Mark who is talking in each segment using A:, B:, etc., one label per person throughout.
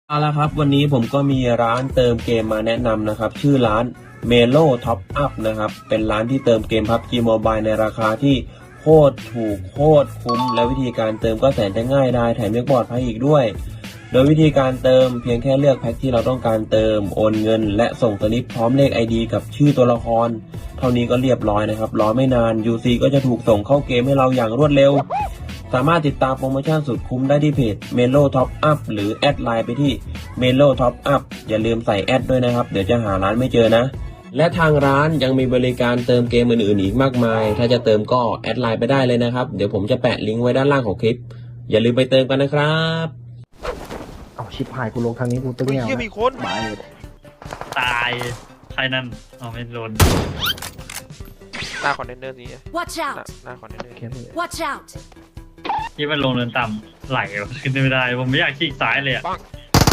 A: เอาละครับวันนี้ผมก็มีร้านเติมเกมมาแนะนำนะครับชื่อร้าน Melo Top Up นะครับเป็นร้านที่เติมเกม PUBG Mobile ในราคาที่โคตรถูกโคตรคุ้มและวิธีการเติมก็แสนจะง่ายได้แถมยังปลอดภัยอีกด้วยโดยวิธีการเติมเพียงแค่เลือกแพ็คที่เราต้องการเติมโอนเงินและส่งสลิปพร้อมเลข ID กับชื่อตัวละครเท่านี้ก็เรียบร้อยนะครับรอไม่นาน UC ก็จะถูกส่งเข้าเกมให้เราอย่างรวดเร็วสามารถติดตามโปรโมชั่นสุดคุ้มได้ที่เพจ Melo Top Up หรือแอดไลน์ไปที่ Melo Top Up อย่าลืมใส่แอดด้วยนะครับเดี๋ยวจะหาร้านไม่เจอนะและทางร้านยังมีบริการเติมเกมอื่นๆอีกมากมายถ้าจะเติมก็แอดไลน์ไปได้เลยนะครับเดี๋ยวผมจะแปะลิงก์ไว้ด้านล่างของคลิปอย่าลืมไปเติมกันนะครับ
B: เอาชิบหายกูลงทางนี้กูตึ้ง
C: เฮ้ย
B: แนว
C: เฮียมีคน
B: ตายเลย
D: ตายใครนั่นเอาไม่โดน
C: หน้าคอนเทนเนอร์นี้
E: Watch
C: หน้า
E: out!
C: หน้าคอนเทนเนอร์
B: แค่นี้
E: Watch out!
D: ที่มันลงเนินต่ำไหลขึ้นไม่ได้ผมไม่อยากขี้ซ้ายเลยอ่ะ
C: ปัง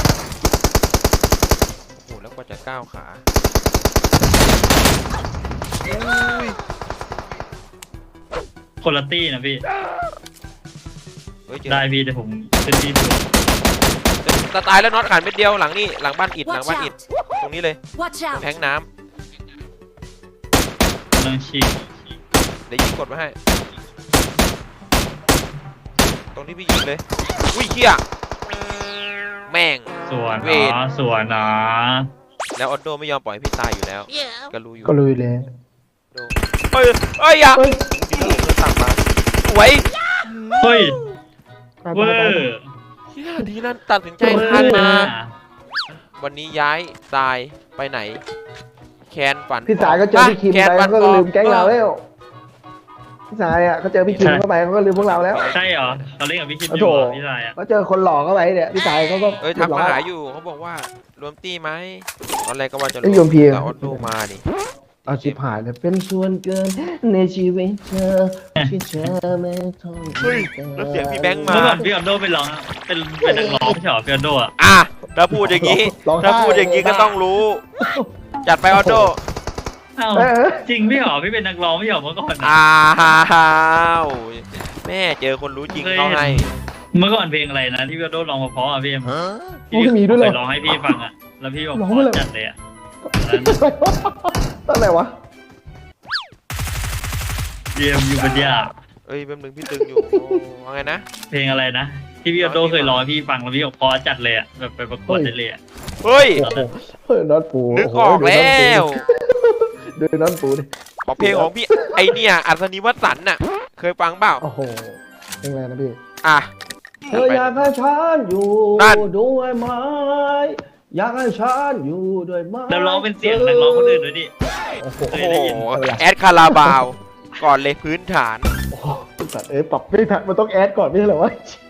C: โอ้โหแล้วกว่าจะก้าวขาอุ้ย
D: คนละตี้นะพี่
C: เฮ้ยเจอ
D: ได้พี่แต่ผมเป็นที่สุด
C: จะตายแล้วน็อตขาดเม็ดเดียวหลังนี่หลังบ้านอิฐหลัง
E: Watch
C: บ้านอิฐ
E: out!
C: ตรงนี้เลย
E: Watch out!
C: แทงน้
D: กำลังฉีก
C: ำเดี๋ยวยิงกดมาให้ตรงที่พี่ยิงเลยอุ้ยเฮียแม่ง
D: สวน
C: เวท
D: นะสวนนะ
C: แล้วออโดไม่ยอมปล่อยให้พี่ตายอยู่แล้วก็รู้อยู่
B: ก็ลุยเลย
C: โดเฮ้ยเฮ้ยอย่า
B: เฮ้ย
C: ที่เราเดินสั่งมาสวย
D: เฮ้ย
B: ตาย
D: เวอ
B: ตายตาย
D: ร์
C: เฮียดีนั่นตัดสินใจทันนะวันนี้ย้ายตายไปไหนแคนฝัน
B: พี่สายก็เจอพี่คิม
C: แคน
B: ไป
C: ฝัน
B: ก็
C: ฟอ
B: ลืมแก๊งเราแล้วพี่สายอ่ะเขาเจอพี่คิมเข้าไปเขาก็ลืมพวกเราแล้ว
D: ใช่เหรอเขาเล่นกับพี่คิดอ
B: โอ้
D: ยู่
B: โห
D: เหรอพี่ชายอ่ะ
B: ก็เจอคนหลอกเข้าไปเนี่ยพี่สายเขาก็
C: เอ้ยทักมาหาอยู่เขาบอกว่ารวมตี้ไหมตอนแรกก็ว่าจะ
B: ไอ้ยโยมพี
C: แต่ออโต้มาดิ
B: เอาชิบหายเลยเป็นส่วนเกินในชีวิตเธอที่เธอไม่ต้อง
C: เฮ้ยแล้วเสียงพี่แบงค์มา
D: เมื่อก่อนพี่ออนโดเป็นร้องเป็นนักร้องไม่ใช่เหรอพี่ออนโดอ่ะ
C: อ่ะถ้าพูดอย่างนี้ถ้าพูดอย่างนี้ก็ต้องรู้ จัดไปออโต้
D: อ้าว
B: เออ
D: จริงพี่เหรอพี่เป็นนักร้องไม่ใช่เหรอเมื่อก่อนอะ
C: อ้าวแม่เจอคนรู้จริงเขาให้
D: เมื่อก่อนเพลงอะไรนะที่พี่ออนโดร้องเพราะๆอ่ะพี่เอ็ม
B: โอ้ยมีด้วยเหรอ
D: เคยร้องให้พี่ฟังอ่ะ แล้วพี่บอก
B: ร้อง
D: ข
B: ไป
D: อ
B: เลย
D: จัดเลยอ่ะ
B: ตั้งแต่วะ
D: เยี่ยมอยู่ปัญญา
C: เอ้ยแป๊บนึงพี่ตึงอยู่โอ้ว่าไงนะ
D: เพลงอะไรนะ ที่พี่ออโต้เคยร้องให้พี่ฟังแล้วพี่บอกพอจัดเลยอ่ะแบบไปประกวดได้เลยอ่ะ
C: เฮ้ย
B: โอ้โหเฮ้ยน็อตปู
C: นึกออกแล้ว
B: ดูน็อตปูดิ
C: บอกเพลงของพี่ไอเนี่ยอัศนีวสันต์น่ะเคยฟังเปล่า
B: โอ้โหเพลงอะไรนะพี่
C: อ่ะ
B: เธออยากให้ฉันอยู่
C: นั่น
B: ด้วยไหมอยากให้ฉันอยู่ด้วยไหม
D: แล้วร้องเป็นเสียงนักร้องคนอื่นด้วยดิ
B: โอ้โห
C: โอ้โหแอดคาราบาว ก่อนเลยพื้นฐาน
B: โอ้โหแต่ปรับไม่ทันมันต้องแอดก่อนไม่ใช่เหรอวะ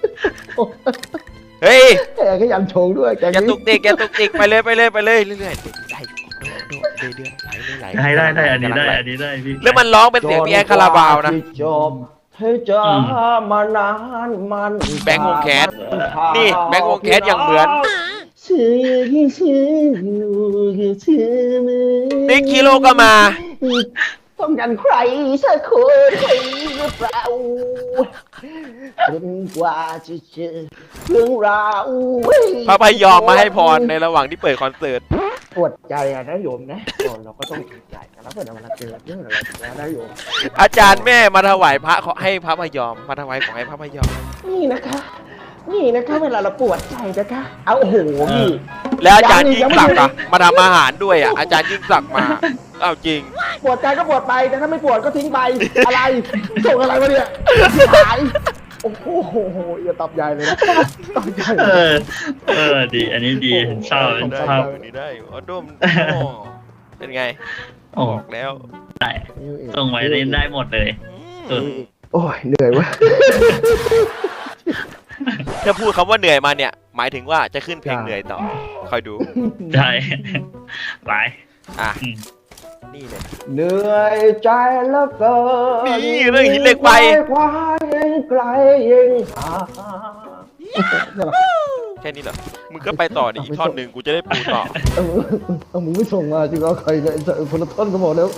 C: เฮ้ย
B: แกก็ยันชงด้วยแก
C: แกตุกติกแกตุกติกไปเลยเรื่อยๆได้เรื่อยๆไหล
D: ได้ได้อันนี้ได้อันนี้ได้พี่
C: แล้วมันร้องเป็นเสียงพี่แอดคาราบาวนะ
B: จบเธอจะมานานมัน
C: แบงค์วงแคสนี่แบงค์วงแคสอย่างเหมือน
B: ชื่อชื่ออยู่ชื่อมือ
C: นิกคิโลก็มา
B: ต้องการใครสักคนใครหรือเปล่าจนกว่าจะเจอเรื่องราว
C: พระพยอมมาให้พรในระหว่างที่เปิดคอนเสิร์ต
B: ปวดใจอะนะโยมนะเราก็ต้องปวดใจกันแล้วเพื่อนเวลาเจอเรื่องอะไรแบบนี้นะโยม
C: อาจารย์แม่มาถวายพระขอให้พระพยอมมาถวายของให้พระพยอม
B: นี่นะคะเวลาเราปวดใจนะคะเอาโอ้โหพี่
C: แล้วอาจารย์ยิ่งศักดิ์อะมาทำอาหารด้วยอะอาจารย์ยิ่งศักดิ์มาเอาจริง
B: ปวดใจก็ปวดไปแต่ถ้าไม่ปวดก็ทิ้งไปอะไรส่งอะไรมาเนี่ยหายโอ้โหอย่าตอบใหญ่เลยนะตอบใหญ่
D: ดีอันนี้ดีชอบ
C: ได้
D: ชอบ
C: นี่ได้ออโดมเป็นไง
D: โอ้
C: บอกแล้ว
D: ได้ส่งไว้ได้หมดเลยสุด
B: โอ้ยเหนื่อยวะ
C: ถ้าพูดคำว่าเหนื่อยมาเนี่ย หมายถึงว่าจะขึ้นเพลงเหนื่อยต่อคอยดู
D: ได้ไป
C: อ่ะนี่เลย
B: เหนื่อยใจแล้วเกิน
C: นี่เรื่องหินเหล็กไฟ
B: ควายยังไกลยังหา
C: แค่นี้เหรอมึงก็ไปต่อดิอีกท่อนหนึ่งกูจะได้ปูต่อ
B: เอามึงไม่ส่งมาจริงเหรอใครเนี่ยคนละท่อนก็หมดแล้ว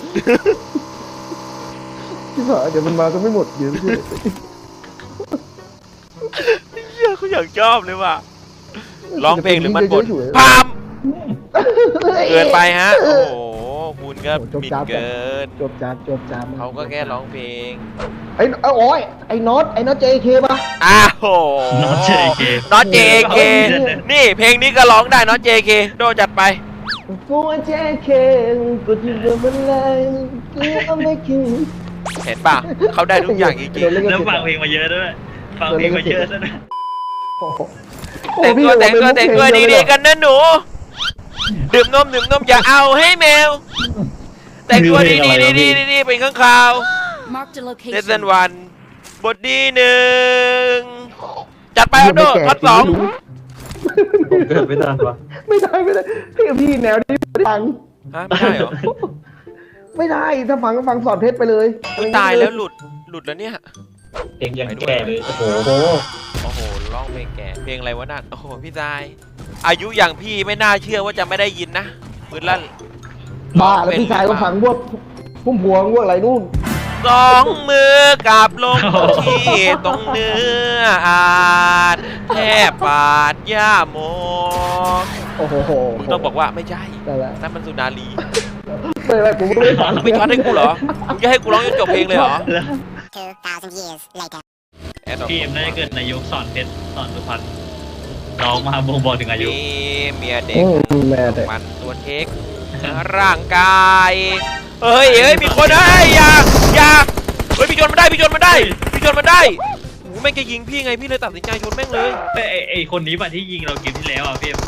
B: ที่ผ่านเดี๋ยวมันมาก็ไม่หมดเดี๋ยวพี่
C: เฮียเขาอยากชอบเลยว่ะร้องเพลงหรือมันบ่นพามเกินไปฮะโอ้โหคุณก็บิดเกิน
B: จบจาม
C: เขาก็แค่ร้องเพลง
B: ไอ้โอ้ยไอ้น็อตJK ป่ะ
C: อ้าวโห
D: น็อต JK
C: น็อต JK นี่เพลงนี้ก็ร้องได้น็อต JK โดจัดไป
B: กูJK กูที่เดิมมันเลยกูเอาไม่คิด
C: เห็นป่ะเขาได้ทุกอย่างจริง
D: แล้วฟังเพลงมาเยอะด้วยฟังเพลงมาเยอะด้วยนะ
C: ๆแต่งตัวดีๆกันนะหนูดื่มนมอย่าเอาให้แมวแต่งตัวดีๆเป็นข้างคาว
E: Marked a
C: เลสเซน
E: location.
C: วันบทดีหนึ่งจัดไปอัพโดท็อปสอง
D: ผมเกิดไม่ทันวะ
B: ไม่ได้พี่แนวนี้ไม่ฟัง
C: ฮะไม่ได้เหรอ
B: ไม่ได้ถ้าฟังสอนเพชรไปเลย
C: อุ๊ยตายแล้วหลุดแล้วเนี่ย
D: เพลงยังแก่เลยโอ้โห
C: โอ้โหร้องเพลงแก่เพลงอะไรวะนั่นโอ้โหพี่ตายอายุอย่างพี่ไม่น่าเชื่อว่าจะไม่ได้ยินนะปืนลั่น
B: บ้าแล้วพี่ชายก็ฟังพวกพุ่มพวงพวกอะไรนู่น
C: สองมือกราบลงที่ตรงเนื้ออาจแทบปาดย่าโม
B: โอ้โห
C: มึงต้องบอกว่าไม่ใช่
B: นั่นแหละ
C: นั่นมันสุนารี
B: ไม่กูไม่ได้ฟัง
C: ไม่ช็อตให้กูเหรอมึงจะให้กูร้องจนจบเพลงเลยเหรอ
E: 2,000 years later.
D: พี่เอ็มน่าจะเกิดในยุคสอนเพชรสอนสุพรรณร้องมาบ่งบอกถึงอายุ
C: มีเมียเด็ก
B: แม่เด็ก
C: มันตัวเท็กร่างกายเฮ้ยมีคนอย่าเฮ้ยพี่ชนมันได้โอ้โหแม่งจะยิงพี่ไงพี่เลยตัดสินใจชนแม่งเลย
D: ไอคนนี้ป่ะที่ยิงเราเกมที่แล้วอ่ะพี่เอ็ม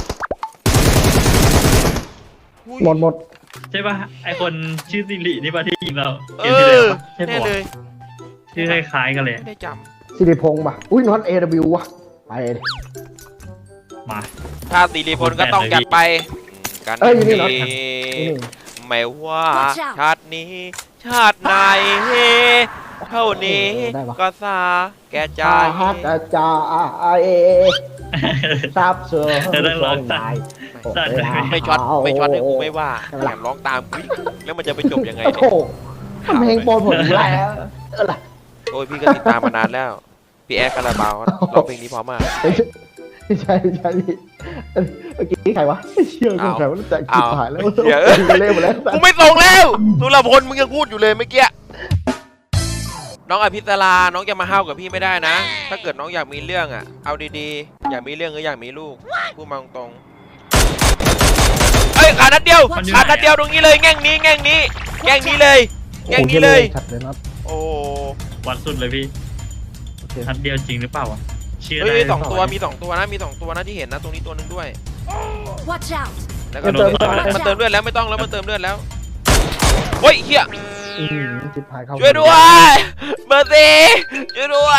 B: หมด
D: ใช่ป่ะไอคนชื่อสิรินี่ป่ะที่ยิงเรา
C: เอ
D: เกมที่แล้ว
C: อ
D: ป่ะใช่
C: แน่
D: ป่ะ
C: เลย
D: ชื่อคล้ายๆกันเลย
C: ไม่ได้จ
B: สิริพงษ์ป่ะอุ้ยน็อต AW ว่ะไปดิ
D: มา
C: ำถ้าตีรีพลก็ต้องจัดไปกัน
B: อยู่นี่เหรอ
C: ดี
B: นี่
C: ไม่ว่า
E: Watch out
C: ชาตินี้ ชาติไหนเท่านี้ก็สาแก่ใจ
B: จาฮักจาเอทราบเสือ
D: ตัดเลย
C: ไม่ช็อตให้กูไม่ว่าแถมร้องตามกูอีกแล้วมันจะไปจบยังไง
B: โอ้
C: เนี่
B: โห
C: ย
B: ทำเพลงโปรผมแล้วอะไร
C: โอ้ยพี่ก็ติดตามมานานแล้ว พี่แอร์คาราบาวร้องเพลงนี้เพราะมาก
B: ไม่ใช่พี่เมื่อกี้ใครวะเชื่อกูใครว่าแต่จิบหายแล้ว
C: เดี๋ยว
B: เล่นหมดแล้ว
C: กูไม่ส่งแล้วสุรพลมึงยังพูดอยู่เลยเมื่อกี้น้องอภิสราน้องจะมาห้าวกับพี่ไม่ได้นะ ถ้าเกิดน้องอยากมีเรื่องอ่ะเอาดีๆอยากมีเรื่องหรืออยากมีลูกพูดมาตรงๆเอ้ยขาดนัดเดียวตรงนี้เลยแง่งนี้เลย
B: ชัดเลยนะ
C: โอ้
D: วันสุดเลยพี่ทัดเดียวจริงหรือเปล่าวะเชื่อ
C: เฮ้
D: ได้
C: ยมีสองตัวนะที่เห็นนะตรงนี้ตัวนึงด้วย
E: Watch out.
C: แล้วก็มันเติมเลือดแล้วไม่ต้องแล้วมันเติมเลือดแล้วเฮ้ยเฮีย
B: จิบหายเข้า
C: ช่วยด้วยเบอร์ซี่ช่วยด้วย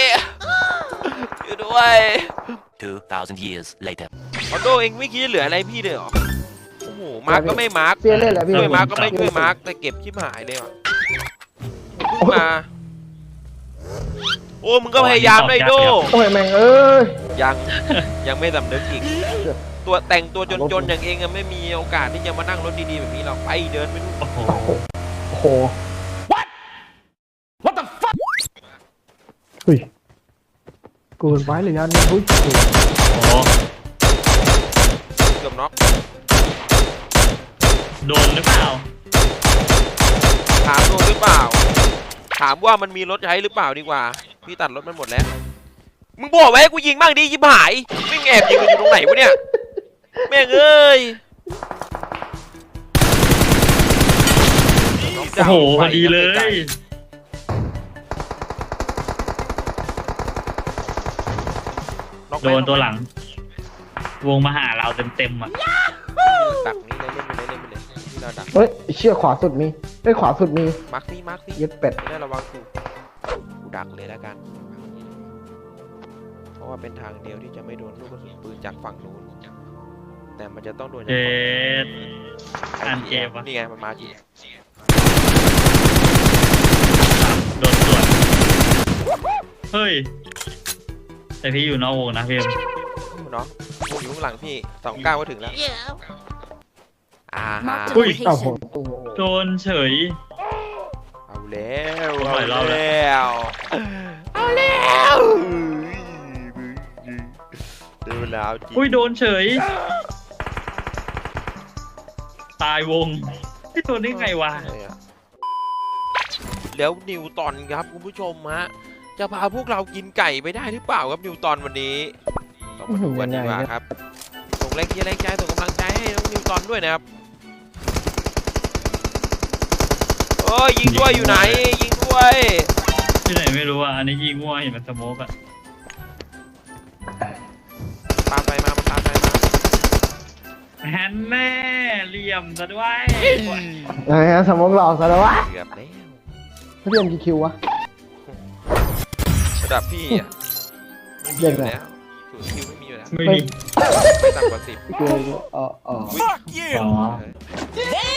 F: 2,000 years later.
C: ออโต้เองไม่คิดจะเหลืออะไรพี่เลยเหรอโอ้โหมาร์กก็ไม่มาร์ก
B: เสียเล่นแหละพี่
C: ช่วยมาร์กก็ไม่ช่วยมาร์กแต่เก็บชิบหายเลยว่ะเพิ่งมาโอ้มึงก็พยายามได้โด
B: โอ้ยแม่งเอ้ย
C: ยังไม่สำนึกอีกตัวแต่งตัวจนๆอย่างเองอะไม่มีโอกาสที่จะมานั่งรถดีๆแบบนี้หรอกไปเดินไปดู
D: โอ้โห
B: โอ้โห What the fuck เฮ้ยเกินไปเลยยันเฮ้ย
D: โอ้โห
C: เกือบน็อก
D: โดนหรือเปล่า
C: ถามโดนหรือเปล่าถามว่ามันมีรถใช้หรือเปล่าดีกว่าพี่ตัดรถมันหมดแล้วมึงบอกไว้ให้กูยิงบ้างดิยิบหายไม่แอบยิงกันอยู่ตรงไหนวะเนี่ยแม่งเอ้ย
D: โอ้โหพอดีเลย โดนตัวหลัง วงมาหาเราเต็มๆอ่ะ
C: ดักนี่เลยเล่นไปเลยที่เราดัก
B: เฮ้ยเชี่ยขวาสุดมีขวาสุดมี
C: มาร์คซี่
B: เย็ดเป็ด
C: ไม่ได้ระวังกูดักเลยแล้วกันเพราะว่าเป็นทางเดียวที่จะไม่โดนลูกกระสุนปืนจากฝั่งนู้นแต่มันจะต้องโดนจาก
D: เจ็
C: ฝั่ง
D: ด อ่านเกมวะ
C: นี่ไงมันมาจี
D: โดนสวนเฮ้ย แต่พี่อยู่นอกวงนะพี่เอ็ม
C: เนาะพวกอยู่ข้างหลังพี่29ก็ถึงแล้วอ่า
E: Marked a
D: อุ้ย
B: เอ้าโห
E: location.
D: โดนเฉย
C: เอาแล้ว
D: หลายรอบแล้ว
C: เอาแล้วเดี๋ยวแล้วจริง
D: อุ้ยโดนเฉย ตายวงที่โดนได้ไงวะ
C: แล้วนิวตอนครับคุณผู้ชมฮะจะพาพวกเรากินไก่ไปได้หรือเปล่าครับนิวตอนวันนี้ต้องมาดูกันดีกว่าครับส่งแรงเชียร์แรงใจส่งกำลังใจให้น้องนิวตอนด้วยนะครับโอ้ยยิงด้วยอยู่ไหนยิงด้วย
D: ที่ไหนไม่รู้อ่ะ อันนี้ยิงมั่วเห็นมันสโมกอ่ะ
C: ตามไปมาตามไปมา
D: แฮนแน่เหลี่ยมซะด้วย
B: อะไรฮะสมองหลอกซะแล้ววะ
C: เกือบแล้ว
B: เรียนกี่คิววะ
C: ระดับพี่อ่ะไม่มีอยู่แล้วศูนย์คิวไม่มีอยู่แล้ว
D: ไม่มี
C: ไม่ต่ำกว่า10
B: เกินอ๋อ
C: อุ๊ย
D: อ๋อ
C: เออ